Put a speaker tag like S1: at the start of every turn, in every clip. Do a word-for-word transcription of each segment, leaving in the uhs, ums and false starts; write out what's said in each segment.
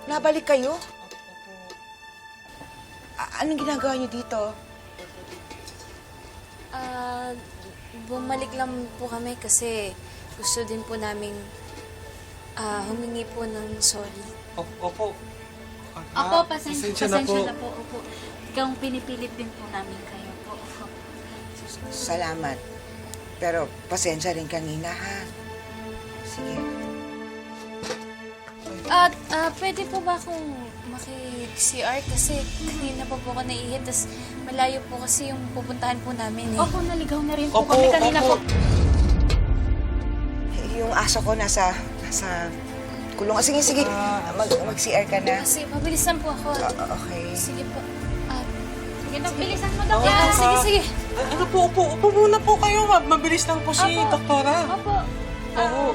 S1: Nabalik kayo? A- anong ginagawa niyo dito?
S2: Ah, bumalik lang po kami kasi gusto din po naming ah, humingi po ng sorry.
S3: Opo. Opo.
S4: Opo, pasensya,
S3: pasensya
S4: pasensya
S3: na
S4: na po. Opo. Ikaw pinipilit din po namin kayo po. Opo.
S1: Salamat. Pero pasensya rin kanina, ha? Sige.
S2: At ah, pwede po ba akong maki-C R kasi kanina pa po ako naiihit tas malayo po kasi yung pupuntahan po namin eh.
S4: Opo, naligaw na rin po
S3: Opo,
S4: kami kanina
S3: opo.
S4: po.
S1: Yung aso ko nasa, nasa kulungan. Sige, sige. Mag, mag-C R ka na.
S2: Kasi mabilisan po ako.
S1: O- okay.
S2: Sige po. Ah,
S4: Sige, bilisan mo daw.
S2: yeah, sige, sige.
S3: A- ano po, upo, upo muna po kayo. Ma- Mabilis lang po si
S4: Opo.
S3: doktora.
S4: Opo.
S3: Oo.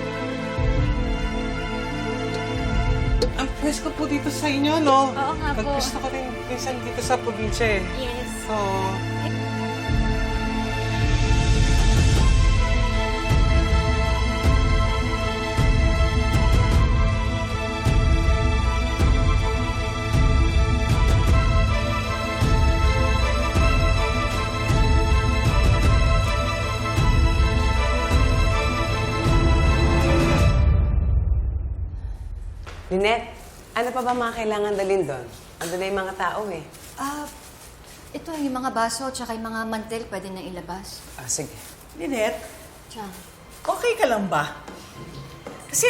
S3: Ang pwesto po dito sa inyo, no?
S4: Oo nga po.
S3: Nagpwesto ko rin minsan dito sa probinsya eh.
S4: Yes.
S3: Oo.
S5: Lynette, ano pa ba mga kailangan dalhin doon? Ando na yung mga tao eh.
S6: Ah, ito yung mga baso tsaka yung mga mantel pwede na ilabas.
S5: Ah, sige.
S7: Lynette,
S6: Chang.
S7: okay ka lang ba? Kasi,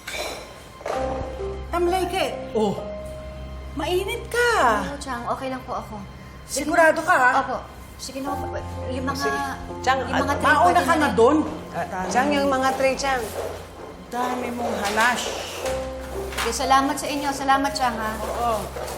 S7: tamlay ka eh. Oh, mainit ka.
S6: Oo, Chang, okay lang po ako. Sige
S7: Sigurado
S6: na-
S7: ka, ha?
S6: Opo. Sige na, yung mga...
S5: Sige. Chang,
S6: yung mga
S5: at-
S6: tray
S7: Mauna
S6: pwede
S7: ka na
S6: rin.
S7: doon.
S5: Ah, Chang, yung mga tray, Chang.
S7: Dami mong halash.
S6: Sige, salamat sa inyo. Salamat, Chang, ha?
S7: Oo.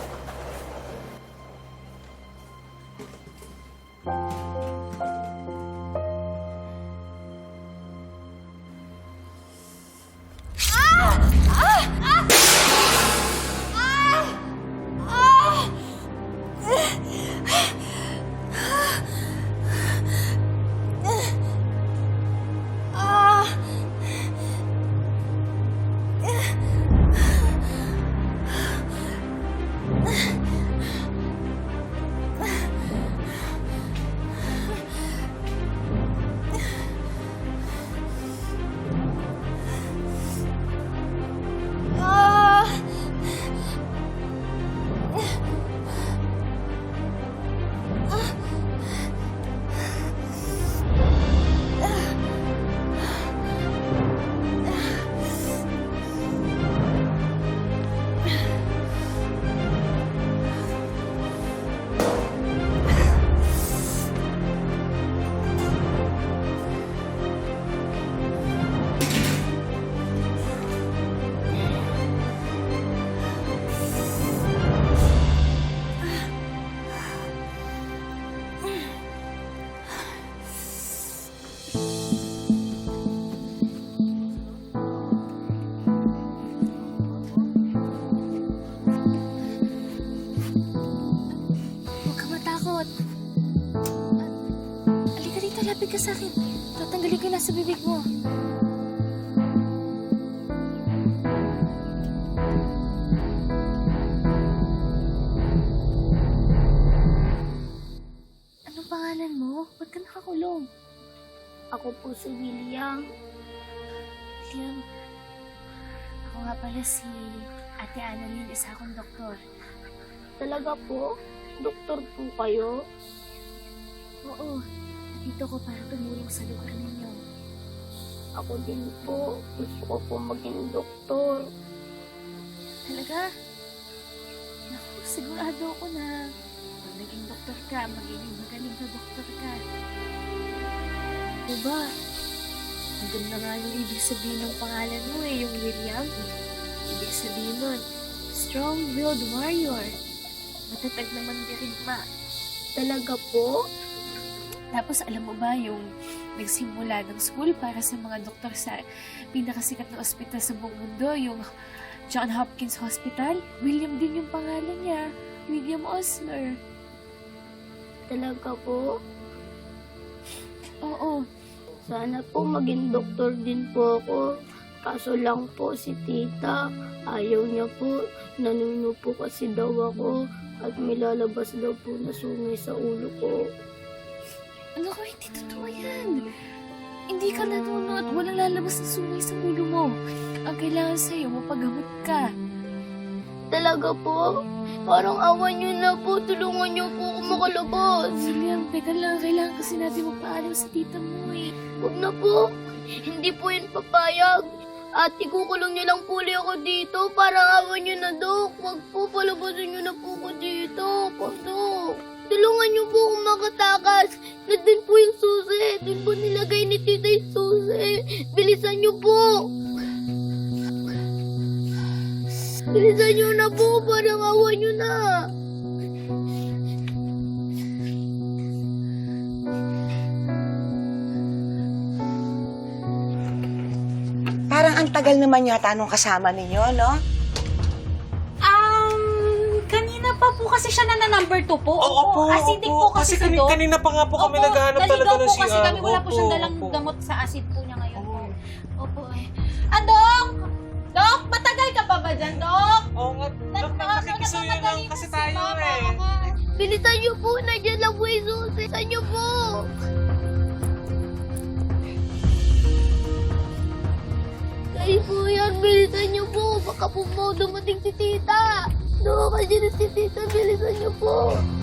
S2: Huwag ka matakot. Ah, Halika dito, lapit ka sa akin. Tatanggalin ko yung nasa bibig mo. Anong pangalan mo? Ba't ka nakakulong?
S4: Ako po si William.
S2: William, ako nga pala si Ate Annalyn, isa akong doktor.
S4: Talaga po? Doktor po kayo?
S2: Oo, dito ko para tumulong sa lugar ninyo.
S4: Ako din po. Gusto ko po maging doktor.
S2: Talaga? Naku, sigurado ako na pag naging doktor ka, magiging magaling na doktor ka. Diba? Ang ganda nga yung ibig sabihin ng pangalan mo eh, yung William. Ibig sabihin nun, strong-willed warrior. Matatag naman dirigma.
S4: Talaga po?
S2: Tapos alam mo ba yung nagsimula ng school para sa mga doktor sa pinakasikat na ospital sa buong mundo, yung John Hopkins Hospital? William din yung pangalan niya. William Osler.
S4: Talaga po?
S2: Oo.
S4: Sana po maging doktor din po ako. Kaso lang po si tita, ayaw niya po. Nanuno po kasi daw ako at may lalabas daw po na sungay sa ulo ko.
S2: Ano ko, hindi totoo yan. Hindi ka nanuno at walang lalabas na sungay sa ulo mo. Ang kailangan sa'yo, mapagamot ka.
S4: Talaga po? Parang awan niyo na po. Tulungan niyo po ako makalabas.
S2: William, teka lang. Kailangan kasi natin magpaalam sa tita mo eh.
S4: Huwag na po. Hindi po yun papayag. At ikukulong niyo lang po ulit ako dito. Parang awan niyo na, Dok. Huwag po, palabasin niyo na po ako dito. Po, Dok. Tulungan niyo po akong makatakas. Nandun po yung susi. Doon po nilagay ni tita yung susi. Bilisan niyo po. Bilisan niyo na po. Parang awan niyo na.
S1: Parang ang tagal naman yata nung kasama ninyo, no?
S7: Um, kanina pa po kasi siya na na number two po.
S3: Oo po,
S7: Acidic
S3: opo.
S7: po kasi,
S3: Kasi kani-
S7: si Doc.
S3: kanina pa nga po kami
S7: Opo,
S3: naghahanap
S7: naligaw
S3: talaga ng
S7: po kasi
S3: C R.
S7: kami. Wala po
S3: Opo,
S7: siyang dalang
S3: opo.
S7: gamot sa acid po niya ngayon. Opo eh. Ah, Dok! Dok, matagal ka pa ba dyan, Dok?
S3: Oo nga, Dok, nakikisuyo lang kasi tayo eh.
S4: Bilisan niyo po. Nandiyan lang po yung susi. Bilisan niyo po. Kayo po yan. Bilisan niyo po. Baka po mo dumating si tita. Dok, kasi si tita. Bilisan niyo po.